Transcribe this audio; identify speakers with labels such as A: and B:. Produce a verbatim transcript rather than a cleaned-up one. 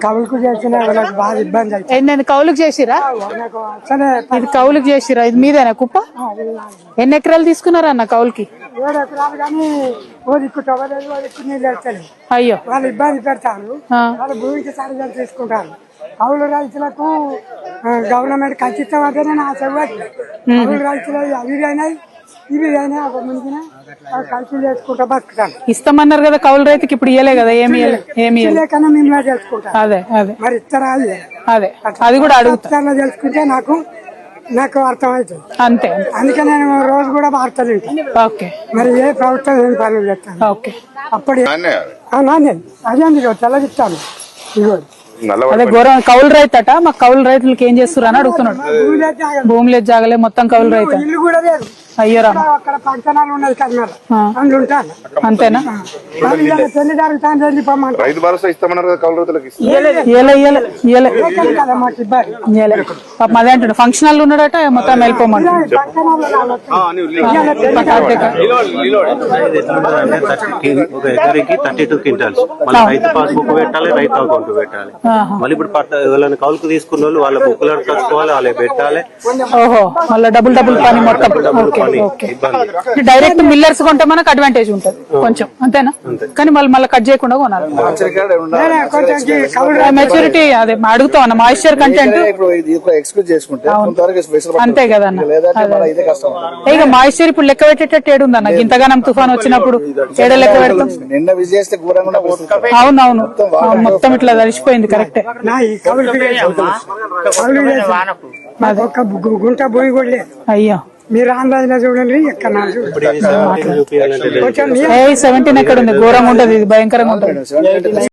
A: కవులకు చేసిన వాళ్ళకి బాగా ఇబ్బంది అవుతుంది.
B: ఏంటండి కౌలుకు చేసిరా?
A: నాకు అసలే
B: ఇది కౌలుకు చేసిరా? ఇది మీదేనా కుప్ప? ఎన్ని ఎకరాలు తీసుకున్నారా అన్న కౌలుకి?
A: ఏడు ఎకరాలు కానీ ఓ దిక్కు తవ్వలేదు, ఓ దిక్కు నీళ్ళు వెళ్తలేదు.
B: అయ్యో,
A: వాళ్ళు ఇబ్బంది పెడతారు.
B: ఆ.
A: వాళ్ళు భూమికి సరిగ్గా తీసుకుంటారు. కౌలు రైతులకు గవర్నమెంట్ ఖచ్చితం అంటేనే నా చెవ్వాలి. కౌలు రైతులు అవి అయినాయి ఇవి అయినాయి ఒక ముందున ఖర్చులు చేసుకుంటా బతుకుతాను.
B: ఇస్తామన్నారు కదా కౌలు రైతుకి, ఇప్పుడు ఇయ్యలే కదా? ఏమి ఏమి
A: లేకన్నా మేము తెలుసుకుంటాం.
B: అదే అదే
A: మరి ఇస్తారా?
B: అదే అది కూడా అడుగుతా
A: తెలుసుకుంటే నాకు నాకు అర్థమవుతుంది.
B: అంతే,
A: అందుకే నేను రోజు కూడా వార్తలు వింటాను.
B: ఓకే.
A: మరి ఏ ప్రభుత్వం ఏం పనులు చేస్తాను
B: ఓకే.
A: అప్పుడు నాణ్యం అదే మీరు తెల్లగిస్తాను. ఇదిగో
B: అదే ఘోరం కౌలు రైతు అట. మాకు కౌలు రైతులకి ఏం చేస్తారు అని అడుగుతున్నాడు. భూమి లేదు జాగలే, మొత్తం కౌలు రైతు.
A: ఇల్లు కూడా లేదు.
B: అయ్యరా,
A: అక్కడ పంచనాలు ఉన్నాయి కర్నూలు, అందులో ఉంటాను.
B: అంతేనా?
A: పెళ్లి జరుగుతాను వెళ్ళిపోమంటారు.
C: రైతు భరోసా ఇస్తామన్నారు కదా కౌలు రైతులకి.
B: ఇయ్యలే ఇయ్యలే ఇయ్యలే
A: కదా మాకు ఇబ్బంది.
B: ఇయ్యలే. పాపం అదే అంటాడు, ఫంక్షన్ హాల్ ఉన్నాడట, మొత్తం వెళ్ళిపోమంటాడు.
D: ఒక ఎకరికి థర్టీ టూ క్వింటాల్స్ మళ్ళీ రైతు పాస్బుక్ పెట్టాలి, రైతు అకౌంట్ పెట్టాలి. మళ్ళీ ఇప్పుడు వాళ్ళని కౌలుకు తీసుకున్న వాళ్ళు వాళ్ళ బుక్లు కట్టుకోవాలి, వాళ్ళే పెట్టాలి.
B: ఓహో, మళ్ళీ డబుల్ డబుల్ పని మొత్తం. డైరెక్ట్ మిల్లర్స్ కొంటే మనకు అడ్వాంటేజ్ ఉంటుంది కొంచెం, అంతేనా? కానీ మళ్ళీ మళ్ళీ కట్ చేయకుండా కొనాలి. మెచ్యూరిటీ అదే అడుగుతాం అన్న, మాయిశ్చర్ కంటెంట్ అంతే కదా అన్న. ఇక మాయిశ్చర్ ఇప్పుడు లెక్క పెట్టేటట్టు ఏడుందన్న, ఇంతగానం తుఫాన్ వచ్చినప్పుడు ఏడ లెక్క పెడతాం. అవునవును, మొత్తం ఇట్లా తడిసిపోయింది. కరెక్టే.
A: ఒక్క గుంట భూమి కూడా లేదు.
B: అయ్యో,
A: మీరు ఆన్లైన్ లో చూడండి. ఎక్కడ
B: సెవెంటీన్ ఎక్కడ ఉంది? ఘోరంగా ఉంటది, ఇది భయంకరంగా ఉంటది.